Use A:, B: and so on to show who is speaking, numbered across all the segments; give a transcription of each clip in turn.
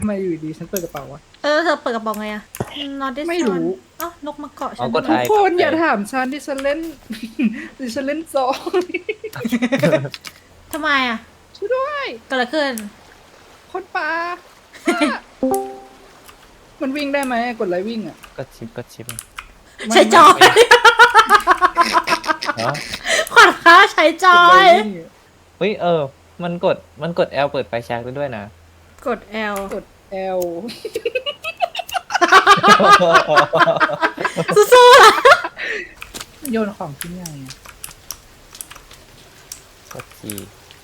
A: ทำไมอยู่ดีฉันเปิดกระเป๋าวะ
B: เธอเปิดกระบอกไงอะ not this
A: ไม่รู้
B: one เอ้านกมาเกาะฉัน
C: กด
A: ทุก
C: ไอ
A: คนอย่าถามฉันที่ฉันเล่น ที่ฉันเล่นซอง
B: ทำไมอะ
A: ช่วยด้วย
B: เกิดอะไรขึ้น
A: คนป่า มันวิ่งได้ไหมกดไลค์วิ่งอ่ะ
C: กดชิป
B: ใช้จอย
C: เนาะ
B: ขวัญค้าใช้จอย
C: เฮ้ยมันกด L เปิดไฟแช็กได้ด้วยนะ
B: กด L
A: กด L
B: สู้ๆล่ะ
A: โยนของทิ้งยังไงอะ
C: กด G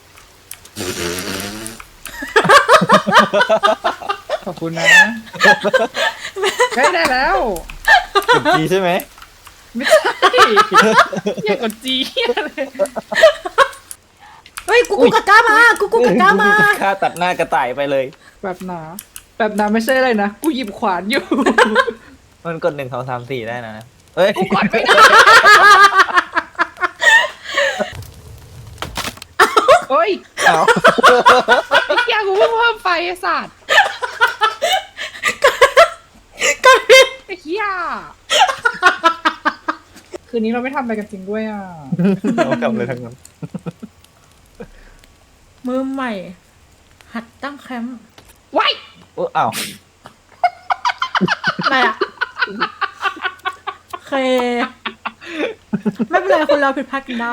A: ขอบคุณนะใช้ได้แล้ว
C: กด G ใช่ไหม
A: ไม่ใช่อย่ากดจีเลย
B: เฮ้ยกูกะก้ามากูกะก้ามา
C: ฆ่าตัดหน้ากระต่ายไปเลย
A: แบบหนาแบบหนาไม่ใช่อะไรนะกูหยิบขวานอยู่
C: มันกด1 2 3 4ได้นะเฮ้ย
A: กดไม่ได้โอ้ย
C: เอา
A: ไอ้เหี้ยกูเพิ่งเพิ่มไฟไอ้สัตว์
B: กดผิด
A: ไอ้เหี้ยคืนนี้เราไม่ทำอะไรกันจริงด้วยอ่ะ
C: เอากลับเลยทั้งนั้น
B: มือใหม่ หัดตั้งแคมป์
A: ไว้
C: โอ้อ้าว
B: อะไรอะโอเค ไม่เป็นไรคนเราผิดพลาดกันได้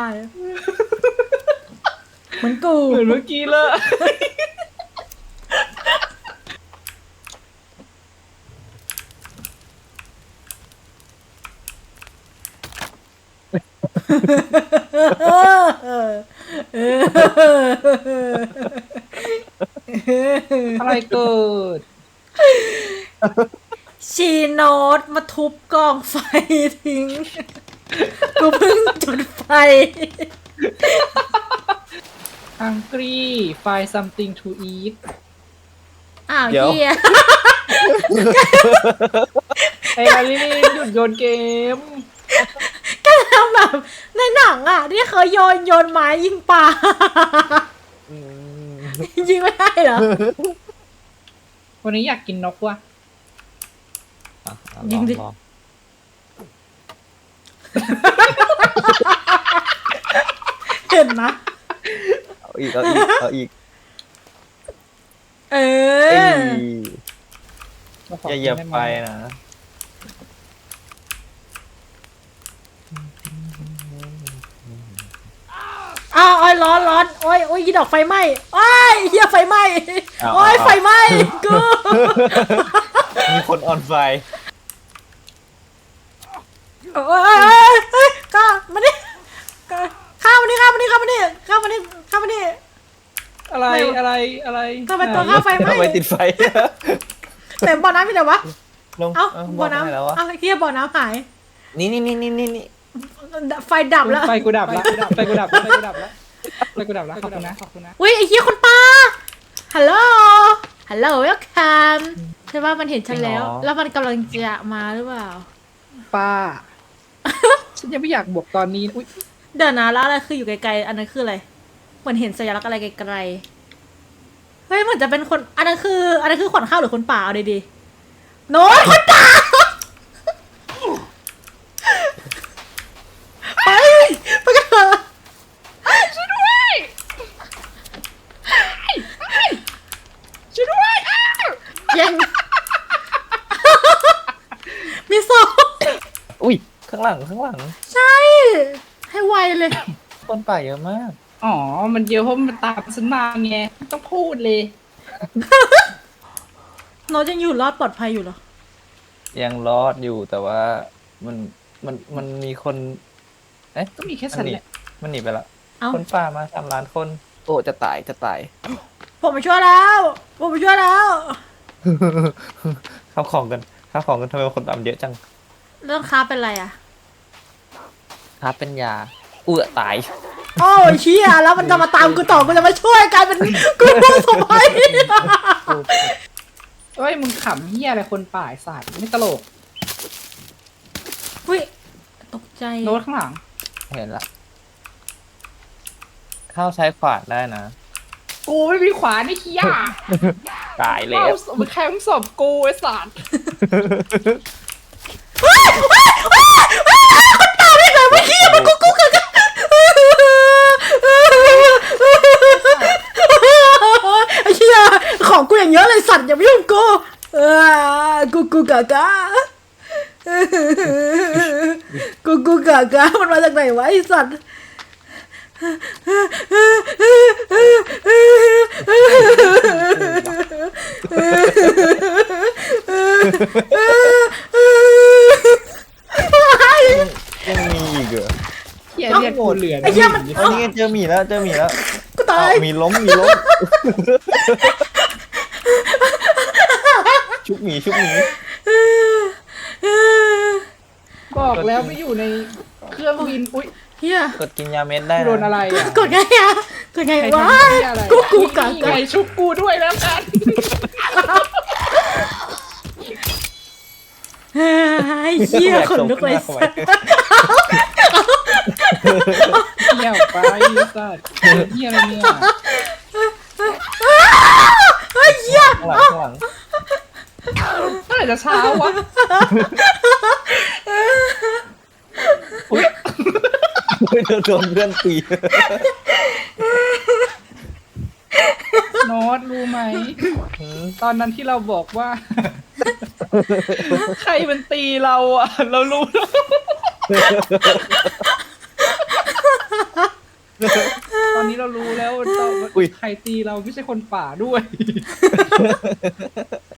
B: เหมือนกู
A: เหมือนเมื่อกี้เลย อะไรเกิด
B: ชีโนตมาทุบกองไฟทิ้ง กูเพิ่งจุดไฟ
A: hungry find something to eat
B: อ้าว
C: เดี๋ยว
B: เฮีย
A: ไอ้ลาลินหยุดโยนเกม
B: ก็ทำแบบในหนังอ่ะ ที่เขาโยนไม้ยิงปลา
C: อืม
B: ยิงไม่ได้เหรอ
A: วันนี้อยากกินนกว่ะ
C: อ่ะลอ
B: ยิงดิ
C: ลอง
B: เห็นนะ
C: เอาอีก
B: เอ
C: เอ้
B: อ
C: ย
A: มาข
C: อย่าเหยียบ
A: กิน
C: ไฟ
A: ด้หม
C: นะ
B: อ้าวโอ้ยร้อนโอ้ยยีดอกไฟไหม้โอ้ยเฮียไฟไหม้โอ้ยไฟไหม้กู
C: มีคนออนไฟ
B: โอ้ยก็มาดิข้ามมาดิ
A: อะไรอะไร
B: ทำไมตัวข้าวไฟไหม้
C: ทำไมติดไฟ
B: แต่บ่อน้ำมีแต่วะ
C: ลง
B: เอ้า
C: บ
B: บ่
C: อ
B: อก
C: ได้
B: น้ำ
C: แล้ววะ
B: เอ้าเฮียบ่อน้ำหาย
C: นี่
B: ไฟดับแล้ว
A: ไฟกูดับแล้วไฟกูดับแล้วขอบคุณนะ
B: อุ้ยไอ้เฮียคนปลาฮัลโหลเวลคัมใช่ว่ามันเห็นฉันแล้ว แล้วมันกำลังจะมาหรือเปล่า
A: ป้า ฉันยังไม่อยากบวกตอนนี้อุ้ย
B: เดี๋ยวนะแล้วอะไรคืออยู่ไกลๆอันนั้นคืออะไรเหมือนเห็นสัญลักษณ์อะไรไกลๆเฮ้ยเหมือนจะเป็นคนอันนั้นคือขวัญข้าวหรือคนป่าเอาดีๆโน้ตคนป่าไปกันเถอะ
A: ช่วยด้วยอ้าว
B: ยังมีศพ
C: อุ้ยข้างหลัง
B: ใช่ให้ไวเลย
C: คนป่าเยอะมาก
A: อ๋อมันเยอะเพราะมันตามฉันมาไงไม่ต้องพูดเลย
B: โน้ตยังอยู่รอดปลอดภัยอยู่เหรอ
C: ยังรอดอยู่แต่ว่ามันมีคน เอ๊ะ
A: ก็มีแค่ฉันแหละ
C: มันหนีไปละ
B: เอ้า
C: คนป่ามา3 ล้านคน โอ้จะตาย
B: ผมมาช่วยแล้ว
C: ข้าวของกันทำไมคนป่ามันเยอะจัง
B: เรื่องค้าเป็นไรอ่ะ
C: ครับเป็นยาตาย
B: โอ้ยเชี่ยแล้วมันจะมาตามกูต่อกูจะมาช่วยกลายเป็นกูรู้สมัย
A: เอ้ยมึงขำเฮียอะไรคนป่าไอ้สัตว์ไม่ตลก
B: อุ้ยตกใจ
A: โน้ตข้างหลัง
C: เห็นละข้าวใช้ขวานได้นะ
A: กูไม่มีขวานไอ้เฮีย
C: ตายแล้ว
D: มึงแคมป์ศพกูไอ้สัตว์
B: ไอ้เหี้ยของกูอย่างเยอะเลยสัตว์อย่ามายุ่งกูกูกากากูกากามันมาจากไหนวะไอ้สัตว์
C: ยังมีอีกเหรอ
D: เหี้ยเนี่ยกูเหลือ
B: ไอ้เหี้ยมัน
C: อันนี้เจอหมีแล้วเจอหมีแล้ว
B: กูตาย
C: มีล้มชุบหมี
D: บอกแล้วไม่อยู่ในเครื่องบินอุ้ย
B: เฮีย
C: กดกินยาเม็ดได้
D: โดนอะไรอ่ะ
B: กดไงอะกดไง
D: ใคร
B: วะ
D: ทำเหี้ยอะไร
B: กูกะ
D: นี่
B: กะ
D: ไงชุบกูด้วยแล้วกัน
B: ไอ้เฮียขนลุกเลยสัตว์
D: เหี้ยไปสัตว์เหี้ยอะไรเนี่ย
B: ไอ้เฮีย
C: ข้างหลัง
D: เมื่อไหร่จะเช้าวะ
C: อุ้ยโดนเพื่อนตี
D: โน้ตรู้ไหม ตอนนั้นที่เราบอกว่า ใครมันตีเราอ่ะ เรารู้แล้ว ตอนนี้เรารู้แล้วว่าใครตีเราไม่ใช่คนป่าด้วย